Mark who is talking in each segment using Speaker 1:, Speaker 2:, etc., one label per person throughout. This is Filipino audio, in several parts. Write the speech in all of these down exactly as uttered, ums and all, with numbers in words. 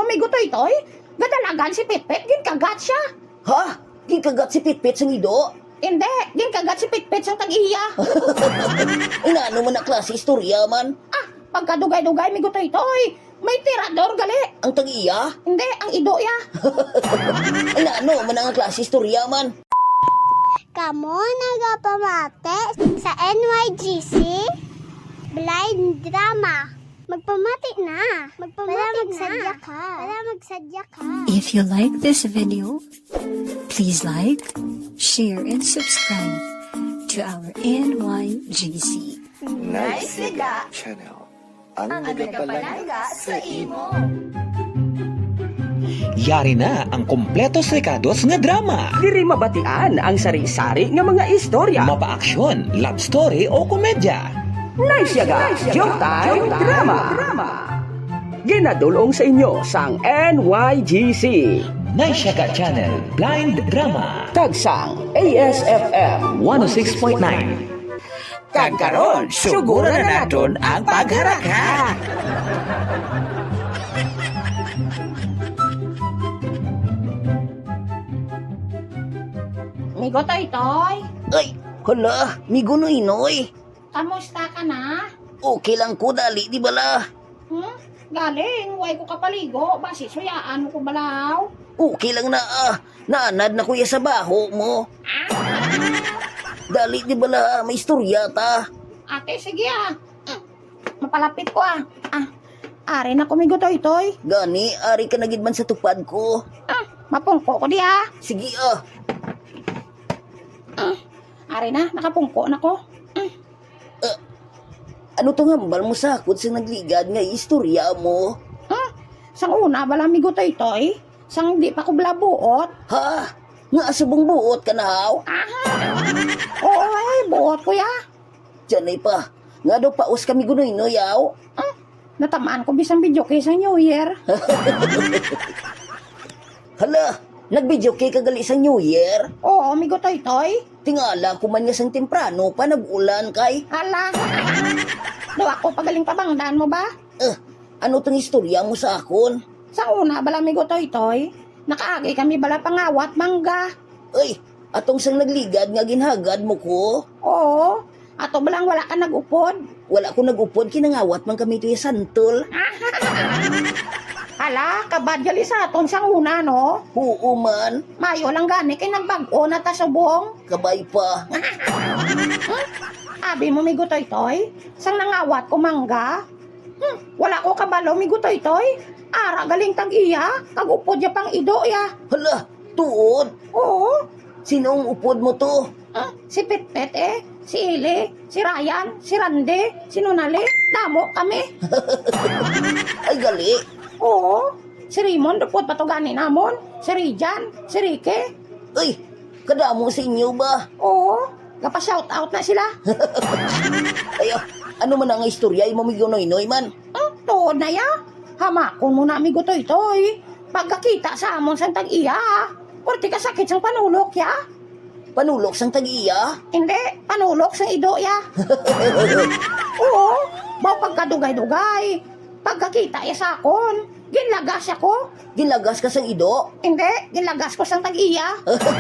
Speaker 1: umigo toy-toy? Gadalagan si Pitpit, ginkagat siya.
Speaker 2: Ha? Gikagat si Pitpit sang ido?
Speaker 1: Hindi, ginkagat si Pitpit sang tag-iya.
Speaker 2: Inaano man na klase istorya man?
Speaker 1: Ah, pagkadugay-dugay migo toy-toy. May tirador gali.
Speaker 2: Ang tag-iya?
Speaker 1: Hindi, ang ido ya.
Speaker 2: Inaano man ang klase istorya man?
Speaker 3: Kamo nagapamate sa N Y G C Blind Drama. Magpamati na. Magpamati Para magsadya na. ka. Para magsadya ka.
Speaker 4: If you like this video, please like, share, and subscribe to our N Y G C.
Speaker 5: Nice Channel. Ang nagapalaga sa imo.
Speaker 6: Yari na ang kompletos rekados nga drama.
Speaker 7: Diri mabatian ang sari-sari nga mga istorya.
Speaker 6: Mapa-aksyon, love story o komedya.
Speaker 7: Nice yaga, joke time, drama. Ginadulong sa inyo sang N Y G C.
Speaker 6: Naisyaga Channel Blind Drama.
Speaker 7: Tagsang A S F M
Speaker 6: one oh six point nine. Kagkaroon, suguro na naton ang pagharaka.
Speaker 1: Migo toy-toy,
Speaker 2: Ay, hala, migunoy-noy.
Speaker 1: kamusta ka na?
Speaker 2: Okay lang ko dali, di bala?
Speaker 1: Hmm? Galing, way ko kapaligo. Basi suyaan mo ko balaw.
Speaker 2: Okay lang na ah. Naanad na kuya sa baho mo. Dali, di bala? May istorya ta.
Speaker 1: Ate, sige ah. Mm, Mapalapit ko ah. Ah, ari na kumigo toy-toy.
Speaker 2: Gani, ari ka na gid man sa tupad ko.
Speaker 1: Ah, mapungko ko di ah.
Speaker 2: Sige ah.
Speaker 1: Ah, ari na, nakapungko na ko. Mm.
Speaker 2: Ano to ngambal mo sakot sa nagligad nga istorya mo?
Speaker 1: Ah, sang una, bala migo toy-toy. Sang di pa ko blabuot.
Speaker 2: Ha? Nga asubong buot ka na haw?
Speaker 1: Oo ay, buot ko ya.
Speaker 2: Diyan ay pa. Nga daw paus kami gunoy no yaw.
Speaker 1: Ah, natamaan ko bisang video kay sa New Year.
Speaker 2: Hala, nag-video kay kagali sa New Year.
Speaker 1: Oo, migo toy-toy.
Speaker 2: Tingala ko man nga sang temprano pa nag-ulan kay.
Speaker 1: Hala. Daw ako pagaling pabangdaan mo ba?
Speaker 2: Eh, ano tong istorya mo sa akon?
Speaker 1: Sa una, bala migo toy-toy. Nakaagi kami bala pangawat mangga.
Speaker 2: Ay, atong sang nagligad nga ginhagad mo ko.
Speaker 1: Oo. Ato balang wala ka nag-upod.
Speaker 2: Wala ko nag-upod, kinangawat man kami ito yung santol.
Speaker 1: Hala, kabadyali sa aton sang una, no?
Speaker 2: Oo man,
Speaker 1: Mayo lang gani kay nagbago na ta subong.
Speaker 2: kabay pa.
Speaker 1: Abi mo migo toy-toy. Sang nangawat ko mangga. Hmm, wala ko kabalo migo toy-toy. Ara galing tag-iya. Kag-upod ya pang ido ya.
Speaker 2: Hala, tuod.
Speaker 1: Oo.
Speaker 2: Sinong upod mo to?
Speaker 1: Ah, si Pitpit eh. Si Ili, si Ryan, si Rande, si Nunali. Damo kami.
Speaker 2: Ay gali.
Speaker 1: Oo. Si Raymond, dupot patugani namon. Si Rijan, si Ricky.
Speaker 2: Ay, kadamo sa inyo ba?
Speaker 1: Oo. Gapa-shout out na sila.
Speaker 2: Ay, ah, ano man ang istorya, yung mamigonoy-noy man.
Speaker 1: Hmm, tuod na ya. Hamakon mo na amigo toy-toy. Pagkakita sa amon sang tag-iya. Kurti ka sakit sang panulok ya.
Speaker 2: Panulok sang tag-iya.
Speaker 1: Hindi, panulok sang ido ya. Oo. Baw pagkadugay-dugay. Pagkakita ya sa akon. Ginlagas ako.
Speaker 2: Gilagas ka sang ido.
Speaker 1: Hindi, ginlagas ko sang tag-iya.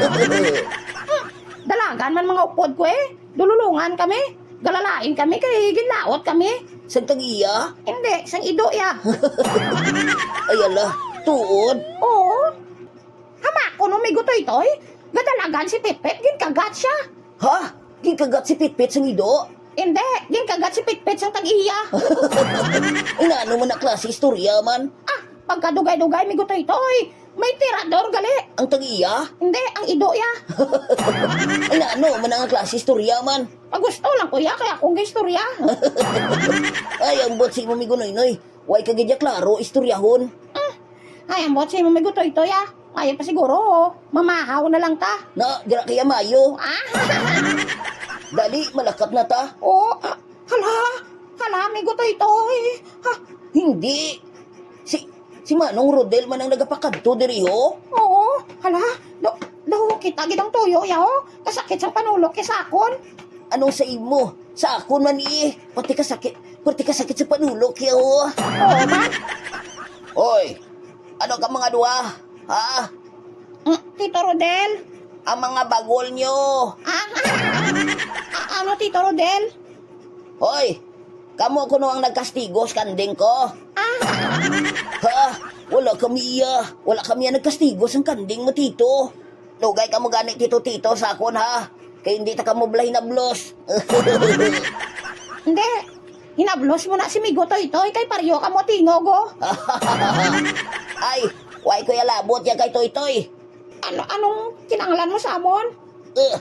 Speaker 1: Dalagan man mga upod ko eh. Dululungan kami. Galalain kami kay ginlaot kami.
Speaker 2: Sang tag-iya.
Speaker 1: Hindi, sang ido ya.
Speaker 2: Ay ala, tuod.
Speaker 1: Oo. Hamako no may gutoy-toy. Gadalagan si Pitpit, ginkagat siya.
Speaker 2: Ha? Gikagat si Pitpit sang ido?
Speaker 1: Hindi, ginkagat si Pitpit sang tag-iya.
Speaker 2: Inaano man na klase istorya man?
Speaker 1: Ah, pagkadugay-dugay may gutoy-toy. May tirador gali.
Speaker 2: Ang tag-iya?
Speaker 1: Hindi, ang ido ya.
Speaker 2: Inaano man ang klase istorya man?
Speaker 1: Pag gusto lang kuya, kaya akong istorya.
Speaker 2: Ay, ang bot si mamigonoy-noy. Way kagidya klaro, istoryahon.
Speaker 1: Ah, ay, ang bot sa'yo may gutoy-toy ah. Ngayon pa siguro, oh. Mamahaw na lang ta.
Speaker 2: Na, dira kaya mayo.
Speaker 1: Ah,
Speaker 2: Dali, malakat na ta.
Speaker 1: oh, ah, hala, hala, may gutoy-toy. Ha,
Speaker 2: Hindi. Si, si Manong Rodel man ang nagapakadto diri ho.
Speaker 1: oo, hala, do, do, kita gidang tuyo ya, oh. Kasakit sang panulok kay sakon.
Speaker 2: Anong sa imo? Sa akon man eh. Pati ka sakit, pati ka sakit sa panulok ya ho.
Speaker 1: Oo, man.
Speaker 2: Oy, Ano ka mga duha? Ha?
Speaker 1: Mm, Tito Rodel?
Speaker 2: Ang mga bagol nyo.
Speaker 1: Ah, ah, ano, Tito Rodel?
Speaker 2: Hoy, kamo kuno ang nagkastigos kanding ko. Ha? Wala kami iya. Wala kami ang nagkastigos ang kanding mo, tito. Lugay ka mo gani tito-tito sa akon, ha? Kaya hindi ta ka mo blay na blos.
Speaker 1: Hindi. Hinablos mo na si Migo Toy-Toy kay paryo ka mo tingogo.
Speaker 2: Ay, why ko labot yan kay Toy-Toy?
Speaker 1: Ano, anong kinanglan mo sa amon?
Speaker 2: Uh,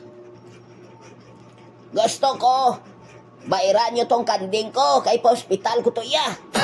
Speaker 2: gusto ko, bairan nyo tong kanding ko kay pa-hospital ko to iya.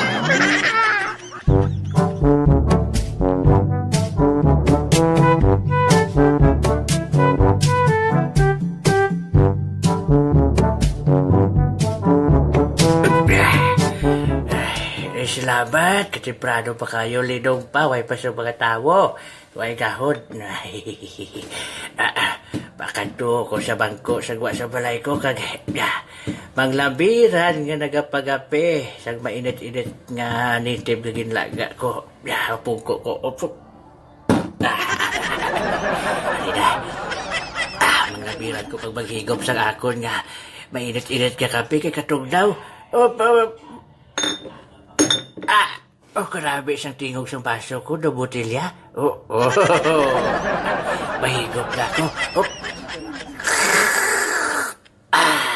Speaker 6: Eh, salamat. Katimprano pa kayo. Linong pa. Way pa sa mga tao. Way kahon. ah, ah, Bakanto ko sa bangko. Sagwa sa balay ko. Kag, ah, manglabiran nga nagapagapi. Sang mainit-init nga nitib na ginlaga ko. Ah, pungko ko. Opo. Ah, halina. Ah, manglabiran ko pag maghigop sa akon nga. Mainit-init ka kape kay katugnaw. Opo. Ah! Oh, grabe isang tingog sa baso ko na botelya. Oh, oh. Mahigop na ako. Oh. Ah!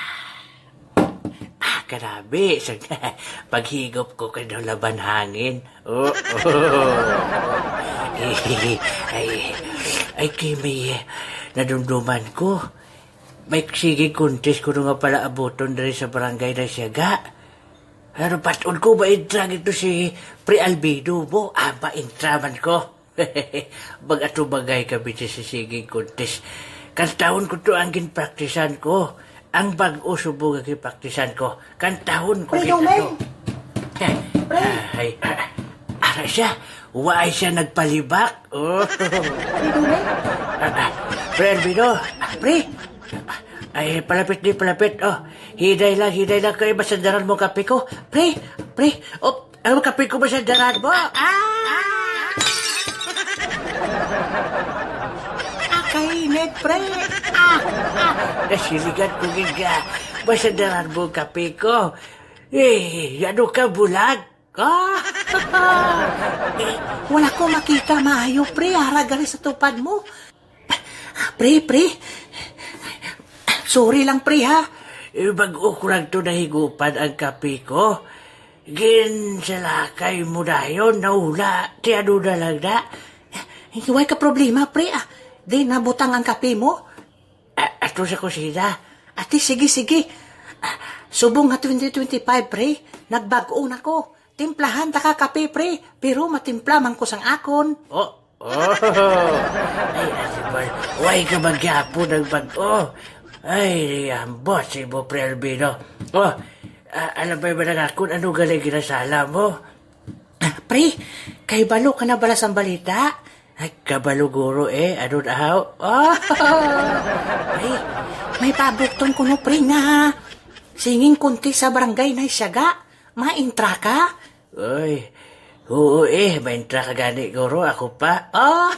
Speaker 6: Ah, grabe isang paghigop ko kay daw laban hangin. Oh, oh. Ay, ay, ay, kay may nadumduman ko. May sige contest ko nga pala abuton dari sa barangay na siyaga. Pero patun ko ba intrag ito si Pre Albedo mo? Ah, ba intraman ko? Baga ito bagay kami sa siging contest. Kantahon ko to ang ginpraktisan ko. Ang bag-o subog ang ginpraktisan ko. Kantahon ko
Speaker 1: Pre,
Speaker 6: kita
Speaker 1: Domeng!
Speaker 6: to.
Speaker 1: Pre!
Speaker 6: Ay, ah, ara siya. Waay siya nagpalibak. Oh. Ah, ah, Pre Albedo. Ah, Pre. Ay, palapit di, palapit. Oh, hiday lang, hiday lang kayo. Masandaran mo kape ko. Pre, pre. Oh, ano kape ko masandaran mo? Ah! Ah, kainit, pre. Ah, ah. Nasiligan ko giga. Masandaran mo kape ko. Eh, ano ka, bulag? Ah! eh, wala ko makita maayo, pre. Haragali sa tupad mo. Pre, pre. Sorry lang, pre, ha? Eh, bago ko lang ito nahigupan ang kape ko. Ginsalakay mo na yun, naula. Ti ano na lang na. Hindi ka problema, pre, ah. Di nabutang ang kape mo. Ah, ato sa kusina. Ate, sige, sige. Ah, subong nga twenty twenty-five, pre. Nagbago na ko. Timplahan ta ka kape, pre. Pero matimpla man ko sang akon. Oh, oh. Ay, asipal. Huwag ka magyapo ng bago. Ay, ambot si mo, Pre Albino. Oh, uh, alam ba ba na ako, ano galing ginasala mo? Ah, pre, kay balo ka na bala sa balita? Ay, kabalo guro eh, ano na haw? Oh, pre, may pabukton ko no, pre, nga singing kunti sa barangay na isyaga. Maintra ka? Uy, oo eh, maintra ka gani guro, ako pa. Oh,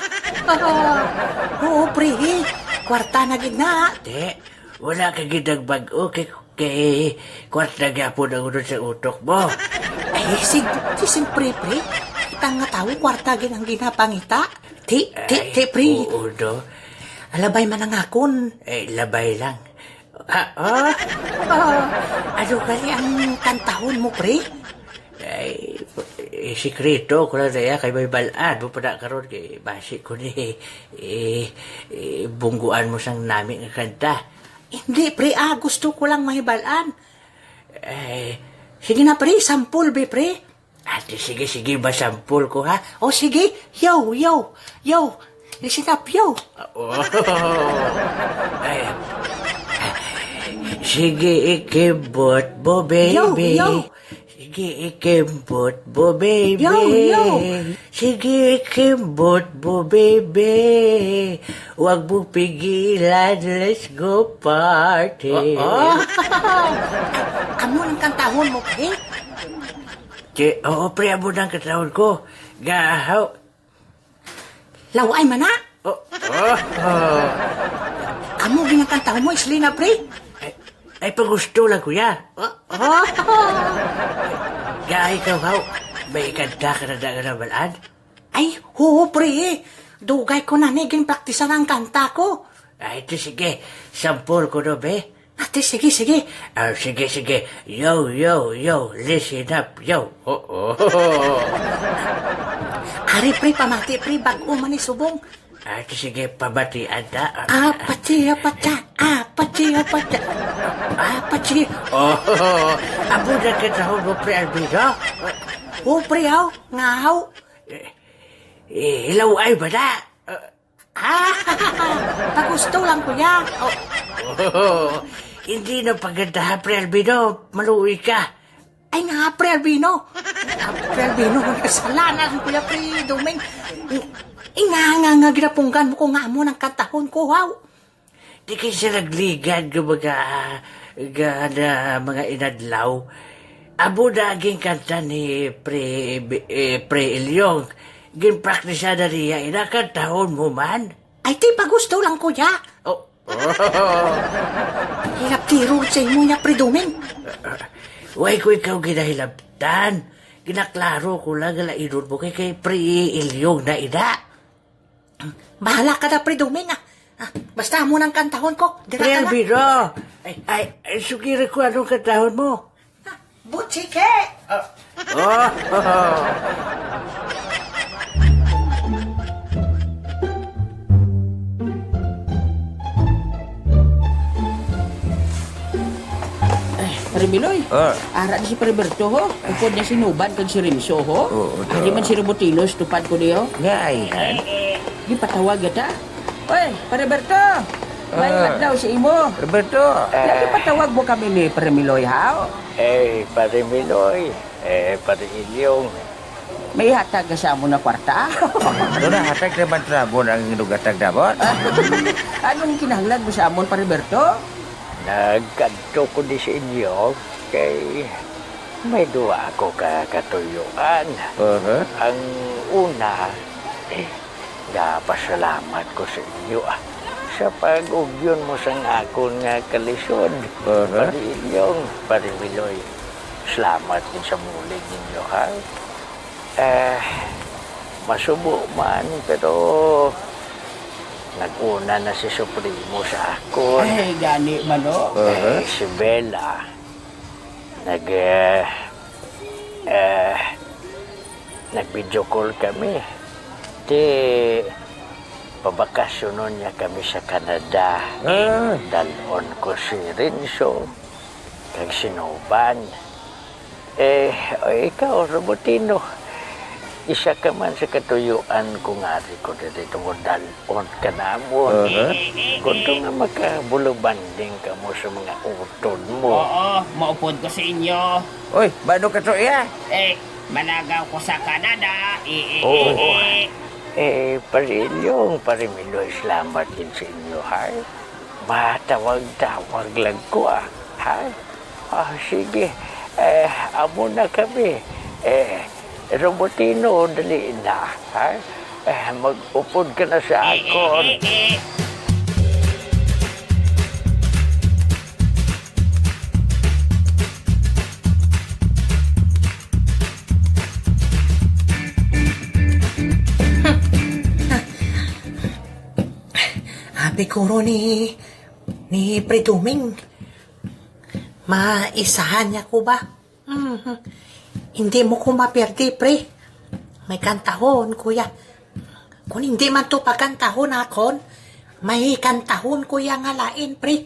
Speaker 6: oo, pre, eh. Kwarta na gina. Te, wala ka ginag bago kay kwarta gapon ang unod sa utok mo. Ay, sig, si simpre, pre. Kita nga tao, kwarta gin ang ginapangita. Ti, ti, ti, pre. Oo, no. Alabay man ang akon. Eh, labay lang. Ah, oh, oh. Ano gali ang kantahon mo, pre? Ay, eh, sikreto ko lang na kay may balaan mo pa na karoon kay basi ko ni eh, eh, bungguan mo sang namin ang kanta. Hindi, pre, ah, gusto ko lang may balaan. Eh, sige na, pre, sampul, be, pre. Ate, sige, sige, ba sampul ko, ha? O, sige, yo, yo, yo, listen up, yo. Oh, ay, sige, ikibot mo, baby.
Speaker 1: Yo, yo.
Speaker 6: Sige, ikembot mo, baby.
Speaker 1: Yo, yo.
Speaker 6: Sige, ikembot mo, baby. Huwag mo pigilan, let's go party.
Speaker 1: Oh, oh. Amo ang kantahon mo, pre?
Speaker 6: Che, oo, pre, amo ng katawon ko. Gahaw, Laway man na. Oh, oh, oh. Amo ginakanta mo, Islina, pre? Ay, ay pagusto lang, kuya. Oh, oh. Gaya ikaw, haw. May ikanta ka na daga na balaan? Ay, oo, pre. Dugay ko na naging praktisan ang kanta ko. Ay, ito sige. Sampol ko no, be. Ate, sige, sige. Ah, sige, sige. Yo, yo, yo. Listen up, yo. Oh, oh, oh. Ari, pre, pamati, pre. Bago man subong. Ah, ito sige, pabatian na. Ah, pati, pata. Ah, pati, pata. Ah, pati. Oh, oh, oh. Abo na kita mo, pre, Albino. Oh, pre, haw. Nga, haw. Eh, eh, ilaw ay ba na? Uh, ah, pagusto lang, kuya. Oh, oh, hindi na paganda, pre Albino. Maluwi ka. Ay nga, pre Albino. Ah, pre Albino, kasalanan, kuya, pre Dumeng. Inga nga nga ginapunggan mo ko nga mo ng katahon ko, wow. Di kayo siya nagligad ko mga, mga, mga inadlaw. Abo na aging kanta ni pre, eh, pre Ilyong. Ginpraktisa na niya, inakantahon mo man. Ay, di pa gusto lang, kuya. Oh. Oh. Hirap tiro sa imo niya, pre Dumeng. Huwag ko ikaw ginahilabtan. Ginaklaro ko lang galainon mo kay kay pre Ilyong na ina. Bahala ka na, pre Dumeng, ah. Ah, basta mo ng kantahon ko. Pre Albino. Ay, ay, ay, sugiri ko anong kantahon mo. Ah, Butchike! Oh. Oh. Oh.
Speaker 8: Parimiloy,
Speaker 5: Ah.
Speaker 8: ara di si Pariberto ho. Upod niya si Nuban kag si Rimso ho.
Speaker 5: Oo, oo.
Speaker 8: Hindi man si Robotinos tupad ko niyo.
Speaker 5: Nga ayhan.
Speaker 8: Di patawag yata. Oy, Pariberto! May
Speaker 5: Ah.
Speaker 8: daw si imo.
Speaker 5: Roberto.
Speaker 8: Lagi patawag mo kami ni Parimiloy ha.
Speaker 9: Eh, Pare Miloy, eh, Pare Ilyong,
Speaker 8: May hatag ka sa mo na kwarta.
Speaker 5: Doon na hatag naman trabon ang inugatag dabon.
Speaker 8: Anong kinahanglan mo sa amon, Pariberto?
Speaker 9: nagkanto ko di sa inyo kay may duwa ako ka katuyuan.
Speaker 5: Uh-huh.
Speaker 9: Ang una, eh, napasalamat ko sa inyo ah, sa pag-ugyon mo sa akon nga kalisod.
Speaker 5: Uh-huh.
Speaker 9: Pare Ilyong, Pare Miloy, salamat din sa mulig ninyo ha. Eh, masubo man, pero nag-una na si Supremo sa akon.
Speaker 8: Ay, gani man o.
Speaker 9: Eh, si Bella, nag, eh, eh, nag-video call kami. Di, pabakasyonon niya kami sa Canada.
Speaker 5: Ah.
Speaker 9: Dalon ko si Rinso, kag si Nuban. Eh, o ikaw, Robotino, isa ka man sa katuyuan kung ari ko dito mo dalon ka na mo.
Speaker 5: Uh-huh.
Speaker 9: Kung nga makabulubanding ka mo sa mga utod mo.
Speaker 8: Oo, maupod ko sa inyo.
Speaker 5: Uy, bano ka to iya?
Speaker 8: Eh, managaw ko sa Canada. Eh, eh,
Speaker 9: Oo.
Speaker 8: eh, eh.
Speaker 9: Eh, Parilyong, Parimiloy, salamat din sa inyo, ha? Matawag-tawag lang ko, ah, ha? Ah, sige, eh, amo na kami. Eh, Robotino, dali na, ha? Eh, mag-upod ka na sa akon.
Speaker 6: Abi kuro ni ni Pre Dumeng. Maisahan niya ko ba? Mhm. Hindi mo ko maperde, pre. May kantahon, kuya. Kung hindi man to pagkantahon akon, may kantahon, kuya, nga lain, pre.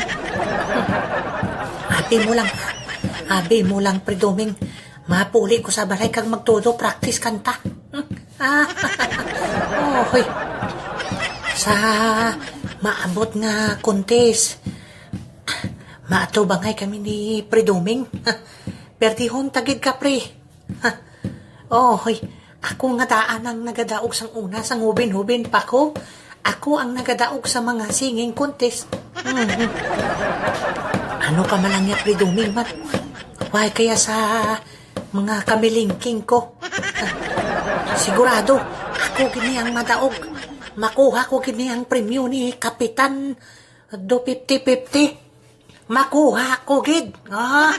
Speaker 6: Abi mo lang, abi mo lang, Pre Dumeng. Mapuli ko sa balay kag magtudo practice kanta. Ah, oh, hoy. Sa maabot nga contest, maato bangay kami ni Pre Dumeng. Perdihon tagid ka, pre. Ha. Oh, hoy. Ako nga daan ang nagadaog sang una sang hubin-hubin pa ko. Ako ang nagadaog sa mga singing contest. Mm-hmm. Ano ka malang ya, Pre Dumeng, man? Why kaya sa mga kamilingking ko? Ha. Sigurado, ako ko gini ang madaog. Makuha ko gini ang premyo ni Kapitan do fifty fifty. Makuha ko gid. Ah,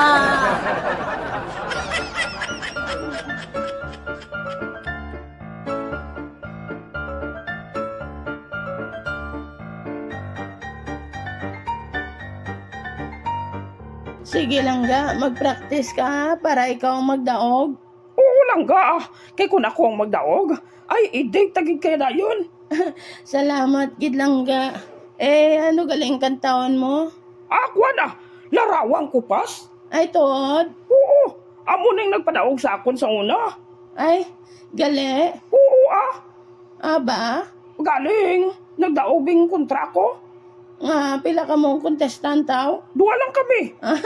Speaker 1: Sige lang ga, mag-practice ka ha, para ikaw ang magdaog.
Speaker 8: Oo lang ga. Kay kung ako ang magdaog, ay idig tagig kaya na yun.
Speaker 1: Salamat, gid lang ga. Eh, ano galing kantawan mo?
Speaker 8: Ako na, larawang kupas.
Speaker 1: Ay, Todd.
Speaker 8: Oo, amo nang nagpadaog sa akon sa una.
Speaker 1: Ay, gali.
Speaker 8: Oo ah,
Speaker 1: Aba,
Speaker 8: galing. Nagdaobing kontra ko.
Speaker 1: nga, pila ka mong contestant tao.
Speaker 8: Dua lang kami.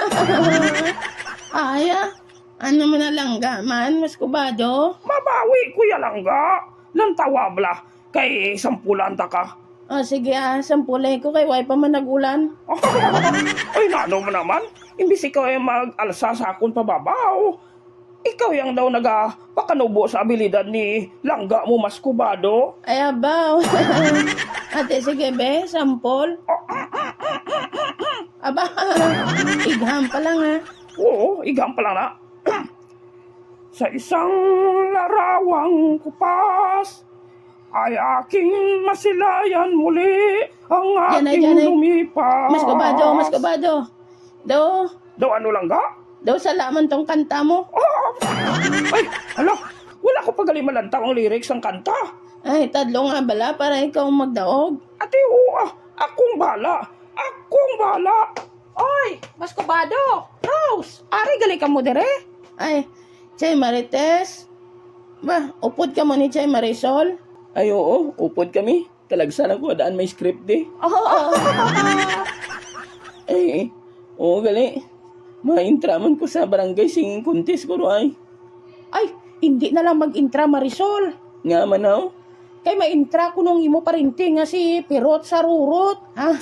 Speaker 1: Ay, ah. Ano mo na lang ga, man, mas kubado.
Speaker 8: Mabawi kuya lang ga. Lantawa bla. Kay sampulan ta ka.
Speaker 1: O, sige ah, sampulay ko kay way pa man nagulan.
Speaker 8: Ay, nano mo naman. Imbis ikaw ay mag-alsa sa akon pababaw. Ikaw yung daw naga pakanubo sa abilidad ni langga mo mas kubado.
Speaker 1: Ay, abaw. Ate, sige be, sampol. Aba, igham pa lang ha.
Speaker 8: Oo, igam pa lang na. Sa isang larawang kupas, ay aking masilayan muli ang
Speaker 1: Yan ay,
Speaker 8: aking
Speaker 1: yan ay.
Speaker 8: lumipas.
Speaker 1: Mas kubado, mas kubado. Do,
Speaker 8: Daw ano lang ga?
Speaker 1: do salaman tong kanta mo.
Speaker 8: Ah! Ay, hala, wala ko pagalimalanta ang lyrics ng kanta.
Speaker 1: Ay, tadlo nga bala para ikaw ang magdaog.
Speaker 8: Ate, oo, ah, akong bala. Akong bala.
Speaker 1: Oy, mas kubado. Rose, ari gali ka mo dire. Ay, Chay Marites. Ba, upod ka mo ni Chay Marisol.
Speaker 8: Ay, oo, upod kami. Talagsan ako, daan may script di.
Speaker 1: Oh,
Speaker 8: Ay, oo, gali. Mahintraman ko sa barangay singing contest ko, ay.
Speaker 1: ay, hindi na lang mag-intra Marisol.
Speaker 8: Nga man ako.
Speaker 1: Kay ma-intra ko nung imo parinti nga si Pirot sa Rurot.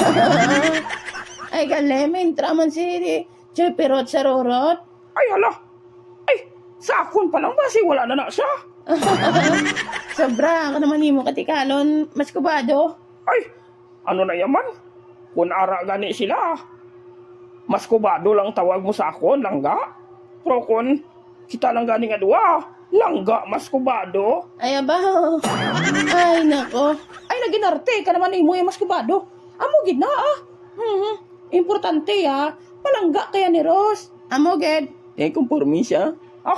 Speaker 1: Ay, gali, ma-intra man si Chay Pirot sa Rurot.
Speaker 8: Ay, hala. Ay, sa akon pa lang ba? Si wala na na siya.
Speaker 1: Sobra, ako naman imo katikalon, mas kubado.
Speaker 8: Ay, ano na yaman? Kung ara gani sila. Mas kubado lang tawag mo sa akon, langga. Pero kung kita lang gani nga dua, langga mas kubado.
Speaker 1: Ay, abaw. Ay, nako. Ay, naginarte ka naman imo yung mas kubado. Amo, gid na, ah. Mhm. Importante, ah. Palangga kaya ni Ros. Amo, gid.
Speaker 8: Eh, kumpormi siya.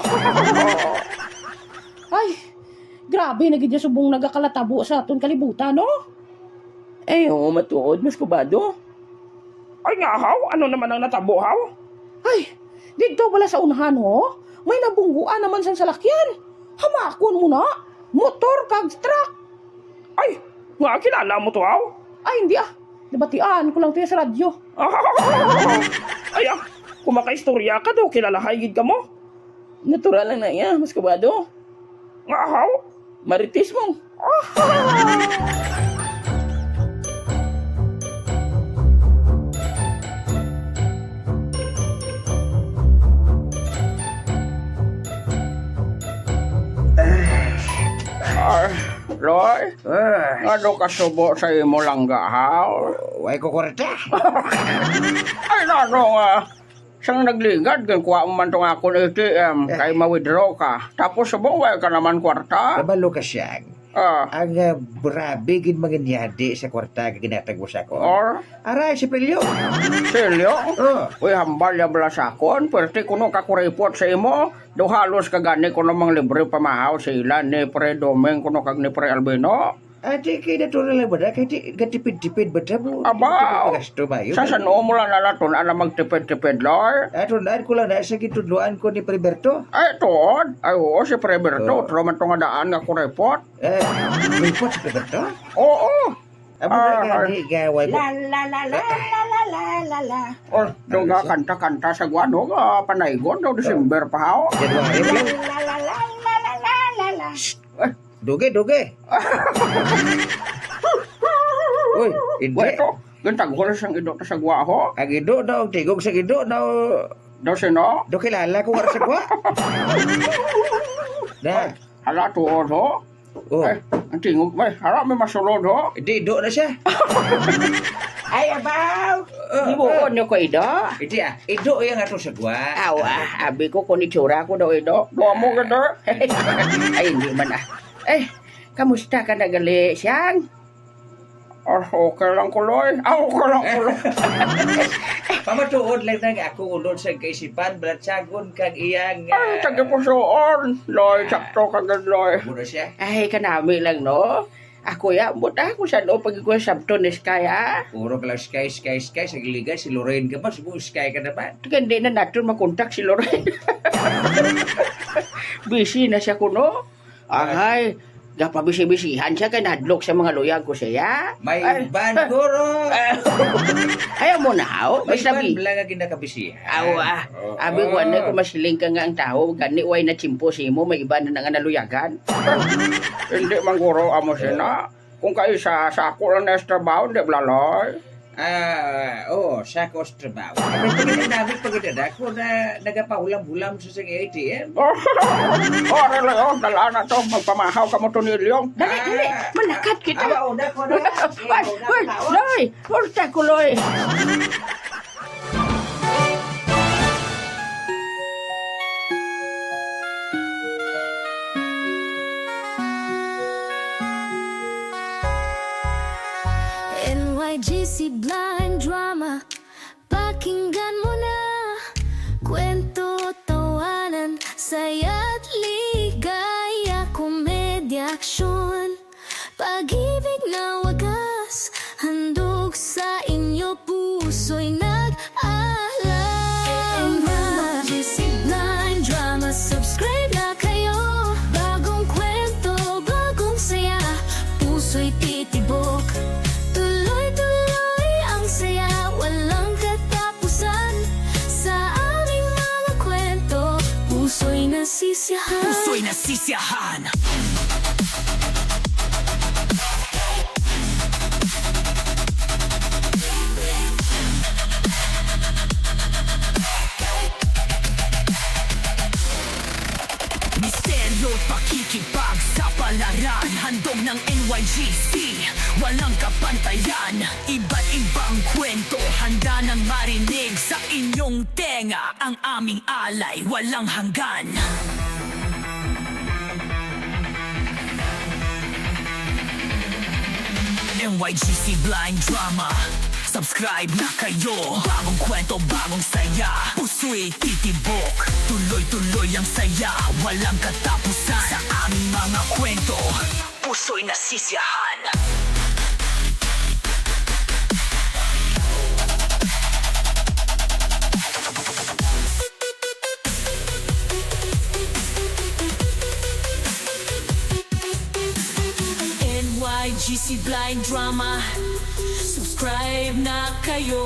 Speaker 1: Ay, grabe, nagid niya subong nagakalatabo sa aton kalibutan, no?
Speaker 8: Eh, oo, matuod, mas kubado. Ay nga, haw? Ano naman ang natabo, haw?
Speaker 1: Ay, dito pala sa unahan, ho? May nabungguan naman sa salakyan. Hamakon mo na. Motor kag truck.
Speaker 8: Ay, nga, kilala mo to, haw?
Speaker 1: Ay, hindi ah. Nabatian ko lang tayo sa radyo.
Speaker 8: Ay, ah, kung makaistorya ka do, kilalahay gid ka mo. Natural lang na iya, mas kubado. Nga, haw? Maritis mo. Roy,
Speaker 5: Ah,
Speaker 8: ano ka subo sa imo langga, haw?
Speaker 5: way ko kwarta.
Speaker 8: Ay, nano nga. Sang nagligad, gan kuha mo man tong akong A T M, kay ma-withdraw ka. Tapos subong, way ka naman kwarta.
Speaker 5: Kabalo ka siyang.
Speaker 8: Ah,
Speaker 5: Ang uh, brabe gid mangyadi sa kwarta kag ginatag mo sa ko.
Speaker 8: or,
Speaker 5: Aray, si Pelyo.
Speaker 8: silyo?
Speaker 5: Oh.
Speaker 8: Uy, hambal ya bala sa akon, pwerte ko nung kakuripot sa imo, do halos kagani ko namang libre pamahaw sa ilan ni Pre Domeng kuno kag ni Pre Albino.
Speaker 5: Ate, kay natural lang ba na? Kay ti- katipid-tipid ba na mo?
Speaker 8: Aba,
Speaker 5: Gasto ba yun?
Speaker 8: sa sano mo lang nalatun ana magtipid-tipid, Lord?
Speaker 5: Ato na, ko lang na sa gitudluan ko ni Priberto.
Speaker 8: Ay, tuod. Ay, oo, si Pre
Speaker 5: Oo.
Speaker 8: Berto, tro man tong nga daan nga kuripot.
Speaker 5: Eh, may pot si Priberto?
Speaker 8: Oo,
Speaker 5: Amo
Speaker 8: Ah,
Speaker 5: ka nga, di gaway mo.
Speaker 6: la la la la la la la la la.
Speaker 8: or, doon nga kanta-kanta sa guano, nga panaygon, daw December pa haw.
Speaker 5: January pa lang.
Speaker 6: La la la la la la la la.
Speaker 8: Ay,
Speaker 5: Duge, duge. Uy, hindi.
Speaker 8: Weto, gantag ko lang siyang idot sa gwaho.
Speaker 5: Ang ido daw, tigog sa ido daw.
Speaker 8: Daw sino?
Speaker 5: Do kilala ko nga sa kwa. Na,
Speaker 8: Hala tuod ho.
Speaker 5: Oh,
Speaker 8: Ay, ang tingog may. Harap may masulod ho.
Speaker 5: di do na siya.
Speaker 8: Ay, abaw.
Speaker 5: Oh,
Speaker 8: Di mo ko nyo ko ido.
Speaker 5: Hindi ah, ido yung ato sa gwa.
Speaker 8: Awa, abi ko kung itsura ko daw ido. Doa mo ka daw. Ay, hindi man ah. Eh, kamusta ka na gali siyang? Oh, okay lang kuloy. Ah, okay lang kuloy.
Speaker 5: Pamatuod lang na ako ulod sa kaisipan, balatsagon kag iyang...
Speaker 8: Ay, taga po soon. Loy, sakto ka loy.
Speaker 5: Muna siya.
Speaker 8: Ay, kanami lang, no? Ako ya, buta ako sa no, pag ikaw sabto ni Sky, ha?
Speaker 5: Puro ka lang sky, sky, sky. Sa giligan, si Lorraine ka pa. Subo sky ka naman.
Speaker 8: Kaya hindi na natin makontak si Lorraine. Busy na siya kuno. Ay, gapabisi-bisihan siya kaya nadlok sa mga luyag ko siya.
Speaker 5: May
Speaker 8: Ay,
Speaker 5: ban, guro.
Speaker 8: Ayaw mo na, haw?
Speaker 5: May
Speaker 8: Basta
Speaker 5: ban
Speaker 8: bi.
Speaker 5: lang ang kinakabisihan.
Speaker 8: Awa,
Speaker 5: Oo.
Speaker 8: abi ko na kung masiling ka nga ang tao, gani way na chimpo si mo, may iba na nga naluyagan. Hindi man guro amo siya na. Kung kayo sa sako lang na sa trabaho, hindi blaloy.
Speaker 5: Ah, oh, sa trabaho. Pero pagkita namin, pagkita ko na nagapahulam-hulam sa sa A T M.
Speaker 8: Oh, oh, relo, oh, dala na to, magpamahaw ka mo to nilyong. Dali,
Speaker 5: Ah.
Speaker 8: dali, malakat kita.
Speaker 5: Ah, una ko na.
Speaker 8: Ay, ay, loy, urta ko, loy.
Speaker 10: N Y G C Blind Drama, pakinggan mo na. Kwento, tawanan, saya't ligaya, komedya, aksyon, pag-ibig na wagas, handog sa inyo, puso'y nag-alala. N Y G C Blind Drama, subscribe na kayo. Bagong kwento, bagong saya, puso'y titibok. Tuloy-tuloy ang saya, walang katapusan. Sa aming mga kwento, puso'y nasisiyahan.
Speaker 6: Puso'y nasisiyahan. Misteryo, pakikipag sa palaran. Handog ng N Y G C, walang kapantayan. Iba't ibang kwento, handa nang marinig sa inyong tenga. Ang aming alay, walang hanggan. N Y G C Blind Drama, subscribe na kayo. Bagong kwento, bagong saya, puso'y titibok. Tuloy-tuloy ang saya, walang katapusan. Sa aming mga kwento, puso'y nasisiyahan. N Y G C Blind Drama, subscribe na kayo.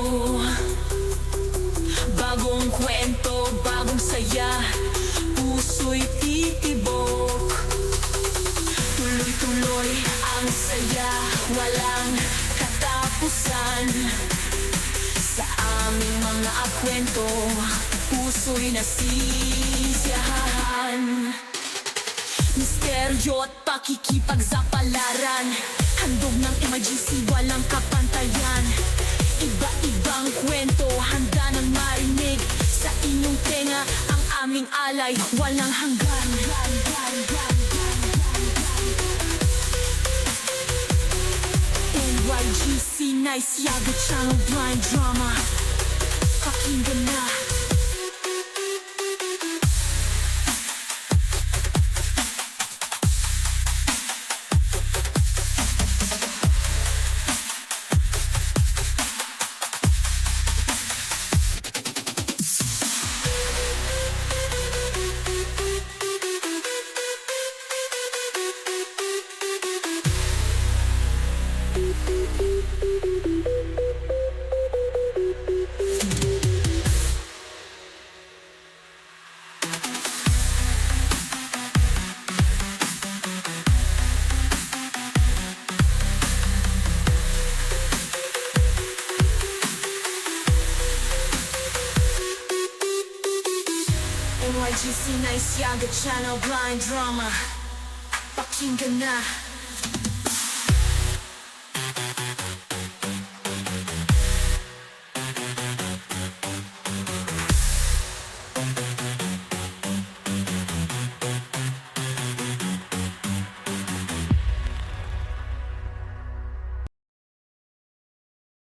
Speaker 6: Bagong kwento, bagong saya, puso'y titibok. Tuloy-tuloy ang saya, walang katapusan. Sa aming mga kwento, puso'y nasisiyahan. Misteryo at pakikipagsapalaran, handog ng M I G C, walang kapantayan. Iba-ibang kwento, handa nang marinig sa inyong tenga. Ang aming alay, walang hanggan. N Y G C, Nice Yaga Channel Blind Drama, pakinggan na. N Y G C, Nice Yaga Channel Blind Drama,
Speaker 10: Pakinggan na